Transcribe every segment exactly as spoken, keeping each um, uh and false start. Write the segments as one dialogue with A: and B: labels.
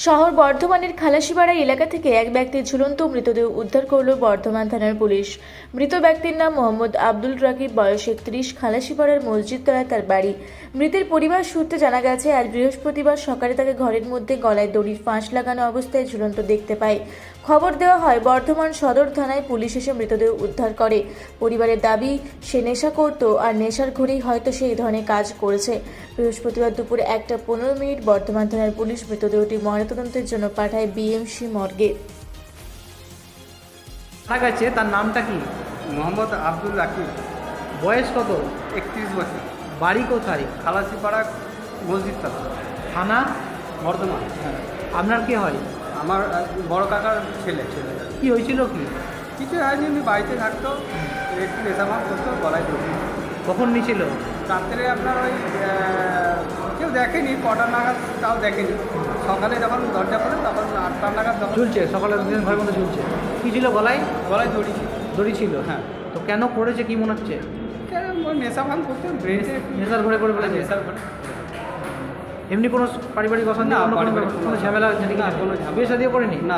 A: শহর বর্ধমানের খালাসিপাড়া এলাকা থেকে এক ব্যক্তির ঝুলন্ত মৃতদেহ উদ্ধার করল বর্ধমান থানার পুলিশ। মৃত ব্যক্তির নাম মোহাম্মদ আব্দুল রাকিব, বয়স একত্রিশ, খালাসিপাড়ার মসজিদতলায় তার বাড়ি। মৃতের পরিবার সূত্রে জানা গেছে, আজ বৃহস্পতিবার সকালে তাকে ঘরের মধ্যে গলায় দড়ির ফাঁস লাগানো অবস্থায় ঝুলন্ত দেখতে পায়। খবর দেওয়া হয়, বর্ধমান সদর থানায় পুলিশ এসে মৃতদেহ উদ্ধার করে। পরিবারের দাবি, সে নেশা করত আর নেশার ঘরেই হয়তো সে এই ধরনের কাজ করেছে। বৃহস্পতিবার দুপুরে একটা পনেরো মিনিট বর্ধমান থানার পুলিশ মৃতদেহটি ময়নাতদন্তের জন্য পাঠায় বিএমসি মর্গে।
B: মারা গেছে, তার নামটা কি?
C: মোহাম্মদ আব্দুল রাকিব,
B: বয়স কত?
C: একত্রিশ বছর,
B: বাড়ি কোথায়?
C: খালাসিপাড়া মসজিদতলা,
B: থানা
C: বর্ধমান। হ্যাঁ,
B: আপনার কি হয়?
C: আমার আহ, বড় কাকার ছেলে ছেলে
B: কি হয়েছিল কি?
C: কিছু হয়নি, আমি বাড়িতে থাকতো, একটু নেশাভাব করতো, গলায় দড়ি।
B: কখন নিয়েছিল?
C: রাত্রে আপনার ওই আহ, কেউ দেখেনি, কটা নাগাদ তাও দেখেনি। সকালে যখন দরজা খোলে তখন আটটা নাগাদ যখন
B: ঝুলছে, সকালে ঘরের মধ্যে ঝুলছে। কি ছিল গলায়?
C: গলায় দড়ি ছিল।
B: দড়ি ছিল।
C: হ্যাঁ,
B: তো কেন করেছে কি মনে হচ্ছে?
C: কেন ওই নেশাভাব করতো, ব্রেনে
B: নেশার ঘরে করে ফেলেছে?
C: নেশার ঘরে।
B: এমনি কোনো পারিবারিক অশান্তি,
C: না,
B: কোনো
C: পারিবারিক
B: কোনো
C: কোনো
B: ঝামেলা আছে
C: না, কোনো ঝামেলা।
B: বিয়ে শাদিও করেনি?
C: না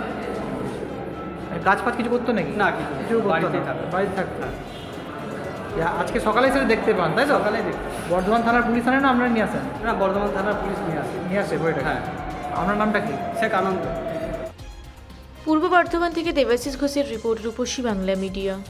B: কাজ ফাজ কিছু করতো নাকি?
C: না, কিছু
B: কিছু করতো
C: বাড়িতেই
B: না?
C: থাকতো।
B: বাড়িতে থাকতো। ইয়া, আজকে সকালে এসে দেখতে পান, তাই তো?
C: সকালে দেখি।
B: বর্ধমান থানার পুলিশ আনে না আপনারা নিয়ে আসেন?
C: না, বর্ধমান থানার পুলিশ নিয়ে আসে।
B: নিয়ে আসে বইটা।
C: হ্যাঁ,
B: আপনার নামটা কি?
C: শেখ আনন্দ।
A: পূর্ব বর্ধমান থেকে দেবাশিস ঘোষের রিপোর্ট, রূপসী বাংলা মিডিয়া।